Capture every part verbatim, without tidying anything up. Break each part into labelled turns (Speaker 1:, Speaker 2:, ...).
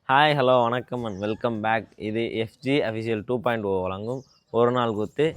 Speaker 1: Hi hello வணக்கம் and welcome back. இது FG official two point O வழங்கும் ஒரு நாள் குத்து.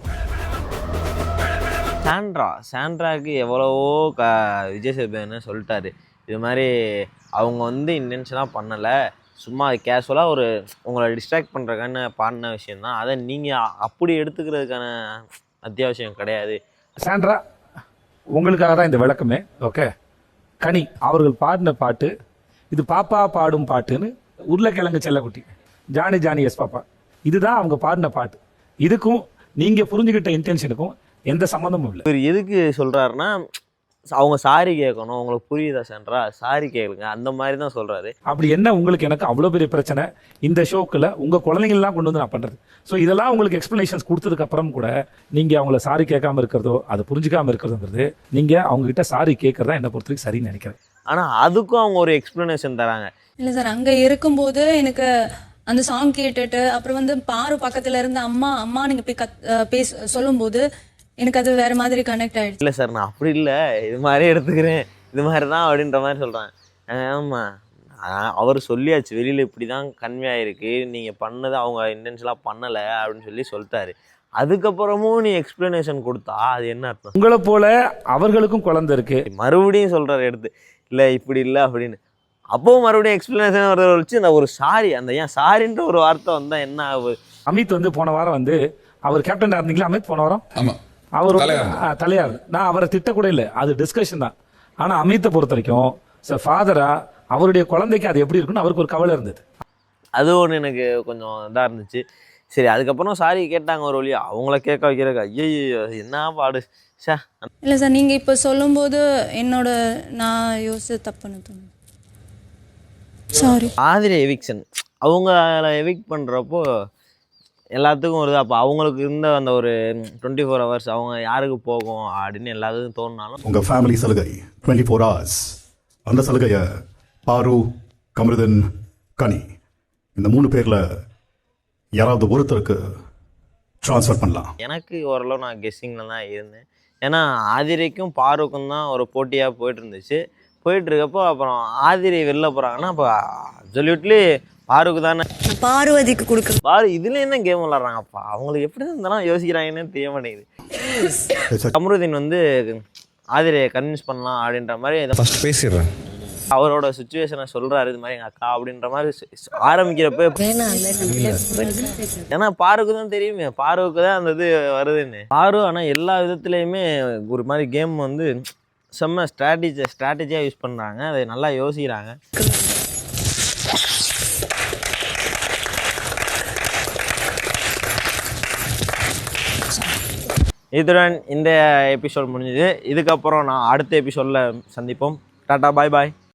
Speaker 1: சாண்ட்ரா சாண்ட்ராவுக்கு எவ்வளவோ க விஜய் சேதுபதி சொல்லிட்டாரு, இது மாதிரி அவங்க வந்து இன்டென்ஷனாக பண்ணலை, சும்மா கேஷுவலாக ஒரு உங்களை டிஸ்ட்ராக்ட் பண்ணுறதுக்கான பாடின விஷயந்தான், அதை நீங்கள் அப்படி எடுத்துக்கிறதுக்கான அத்தியாவசியம் கிடையாது.
Speaker 2: சாண்ட்ரா உங்களுக்காக தான் இந்த விளக்கமே. ஓகே, கனி அவர்கள் பாடின பாட்டு இது பாப்பா பாடும் பாட்டுன்னு உருளைக்கிழங்கு செல்லக்குட்டி ஜானி ஜானி எஸ் பாப்பா, இதுதான் அவங்க பாடின பாட்டு. இதுக்கும் நீங்க புரிஞ்சுக்கிட்ட இன்டென்ஷனுக்கும் எந்த சம்மந்தமும் இல்லை.
Speaker 1: இவர் எதுக்கு சொல்றாருன்னா, அவங்க சாரி கேட்கணும், உங்களுக்கு புரியுதா சாண்ட்ரா, சாரி கேளுங்க, அந்த மாதிரி தான் சொல்றாரு.
Speaker 2: அப்படி என்ன உங்களுக்கு எனக்கு அவ்வளோ பெரிய பிரச்சனை இந்த ஷோக்குல உங்க குழந்தைங்கள்லாம் கொண்டு வந்து நான் பண்றது. ஸோ இதெல்லாம் உங்களுக்கு எக்ஸ்பிளனேஷன்ஸ் கொடுத்ததுக்கு அப்புறம் கூட நீங்க அவங்கள சாரி கேட்காம இருக்கிறதோ அதை புரிஞ்சுக்காம இருக்கிறதுங்கிறது நீங்க அவங்க கிட்ட சாரி கேட்கறதா என்ன பொறுத்த வரைக்கும் சரின்னு நினைக்கிறேன்.
Speaker 1: ஆனா அதுக்கும் அவங்க ஒரு எக்ஸ்பிளனேஷன் தராங்க.
Speaker 3: இல்லை சார், அங்கே இருக்கும்போது எனக்கு அந்த சாங் கேட்டுட்டு அப்புறம் வந்து பாரு பக்கத்துல இருந்து அம்மா அம்மா நீங்கள் போய் கத் பேச சொல்லும்போது எனக்கு அது வேற மாதிரி கனெக்ட் ஆகிடுச்சு.
Speaker 1: இல்லை சார், நான் அப்படி இல்லை, இது மாதிரி எடுத்துக்கிறேன், இது மாதிரி தான் அப்படின்ற மாதிரி சொல்கிறேன். ஆமாம், அவர் சொல்லியாச்சு, வெளியில் இப்படி தான் கன்வே ஆகிருக்கு, நீங்கள் பண்ணது அவங்க இன்டென்ஷனாக பண்ணலை அப்படின்னு சொல்லி சொல்லிட்டாரு. அதுக்கப்புறமும் நீ எக்ஸ்பிளனேஷன் கொடுத்தா அது என்ன அர்த்தம்?
Speaker 2: உங்களை போல அவர்களுக்கும் குழந்தை இருக்கு,
Speaker 1: மறுபடியும் சொல்கிறாரு எடுத்து, இல்லை இப்படி இல்லை அப்படின்னு. அப்போவும் மறுபடியும் எக்ஸ்பிளனேஷன் வரதை வச்சு அந்த ஒரு சாரி, அந்த ஏன் சாரின்ற ஒரு வார்த்தை வந்தால் என்ன ஆகுது?
Speaker 2: அமித் வந்து போன வாரம் வந்து அவர் கேப்டன் இருந்தீங்களா அமித் போன வாரம்?
Speaker 4: ஆமாம்,
Speaker 2: அவர் தலையார். நான் அவரை திட்ட கூட இல்லை, அது டிஸ்கஷன் தான். ஆனா அமித்தை பொறுத்த வரைக்கும் சார் ஃபாதரா அவருடைய குழந்தைக்கு அது எப்படி இருக்குன்னு அவருக்கு ஒரு கவலை இருந்தது.
Speaker 1: அது ஒன்று எனக்கு கொஞ்சம் இதாக இருந்துச்சு. சரி, அதுக்கப்புறம் சாரி கேட்டாங்க ஒரு வழியா, அவங்கள கேட்க வைக்கிறக்கு ஐயோ என்ன பாடு சே.
Speaker 3: இல்லை சார், நீங்க இப்போ சொல்லும்போது என்னோட நான் யோசிச்சு தப்புன்னு தோணுது. சாரி.
Speaker 1: ஆதிரி எவிக்ஷன் அவங்க எவிக்ட் பண்ணுறப்போ எல்லாத்துக்கும் வருது. அப்போ அவங்களுக்கு இருந்த அந்த ஒரு டுவெண்ட்டி ஃபோர் ஹவர்ஸ் அவங்க யாருக்கு போகும் அப்படின்னு எல்லாத்துக்கும் தோணுனாலும்
Speaker 4: உங்கள் ஃபேமிலி சலுகை டுவெண்ட்டி ஃபோர் ஹவர்ஸ், அந்த சலுகையை பாரு, கமருதன், கனி இந்த மூணு பேரில் யாராவது ஒருத்தருக்கு ட்ரான்ஸ்ஃபர் பண்ணலாம்.
Speaker 1: எனக்கு ஓரளவு நான் கெஸ்ஸிங்கில் தான் இருந்தேன். ஏன்னா ஆதிரிக்கும் பாருக்கும் தான் ஒரு போட்டியாக போயிட்டு இருந்துச்சு. போயிட்டு இருக்கப்போ அப்புறம் ஆதிரி வெளில போகிறாங்கன்னா அப்போ அப்சல்யூட்லி பாருக்கு தானே,
Speaker 5: பார்வதிக்கு கொடுக்க.
Speaker 1: பாரு இதுல என்ன கேம் விளாட்றாங்கப்பா, அவங்களுக்கு எப்படி இருந்தாலும் யோசிக்கிறாங்கன்னு தெரிய மாட்டேங்குது. கமருதீன் வந்து ஆதிரியை கன்வின்ஸ் பண்ணலாம் அப்படின்ற மாதிரி
Speaker 6: ஃபர்ஸ்ட் பேசிடுறேன்,
Speaker 1: அவரோட சுச்சுவேஷனை சொல்றாரு, இது மாதிரி எங்கள் அக்கா அப்படின்ற மாதிரி ஆரம்பிக்கிறப்ப. ஏன்னா பாருக்கு தான் தெரியுமே, பாருக்கு தான் அந்த இது வருதுன்னு. பாரு ஆனால் எல்லா விதத்துலேயுமே ஒரு மாதிரி கேம் வந்து செம்ம ஸ்ட்ராட்டஜி ஸ்ட்ராட்டஜியாக யூஸ் பண்ணுறாங்க, அதை நல்லா யோசிக்கிறாங்க. இதுடன் இந்த எபிசோட் முடிஞ்சுது. இதுக்கப்புறம் நான் அடுத்த எபிசோடில் சந்திப்போம். டாட்டா, பாய் பாய்.